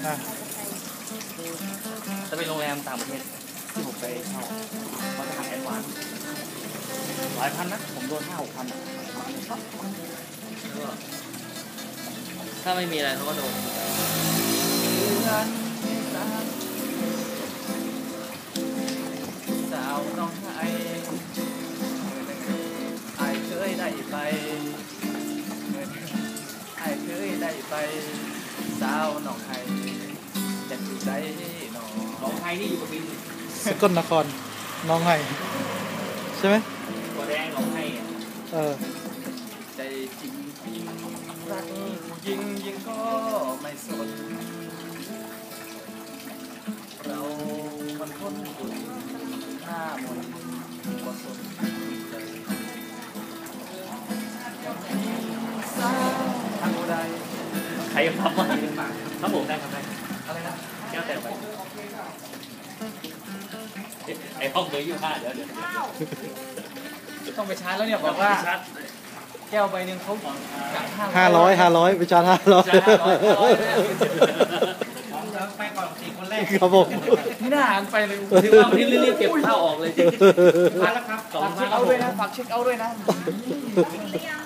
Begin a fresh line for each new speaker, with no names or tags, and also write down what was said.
จะไปโรงแรมต่างประเทศที่ผมไปเช่าเขาจะทำแอดวานซ์หลายพันนะผมโดน5-6 พันถ้าไม่มีอะไรเขาก็โดนสาวน้องไอเคยได้ไปไอเคยได้ไปสาวน้องไอจะอยู่ได้น้องไอนี่อยู่กับบิน
สกลนครน้องไห้ใช่ไหม
ตัวแดงน้องไอใจจริงรักผู้หญิงก็ไม่สนเรามันคนอยู่หน้ามนก็สนใจสาวทางใดใครทำมาครับผมได้ครับได้อะไรนะแก้วแต่ไปไอ้ห้องเบอร์25เดี๋ยวต้องไปชาร์จแล้วเนี่ยบอกว่าแก้วใบหนึ่งเขา
500ไปจาน500
ไปก่อน4 คนแรก
ครับผม
ที่น่าหันไปเลยถือว่าที่รีบเก็บข้าวออกเลยจริงมาแล้วครับฝากเช็คเอาท์ด้วยนะ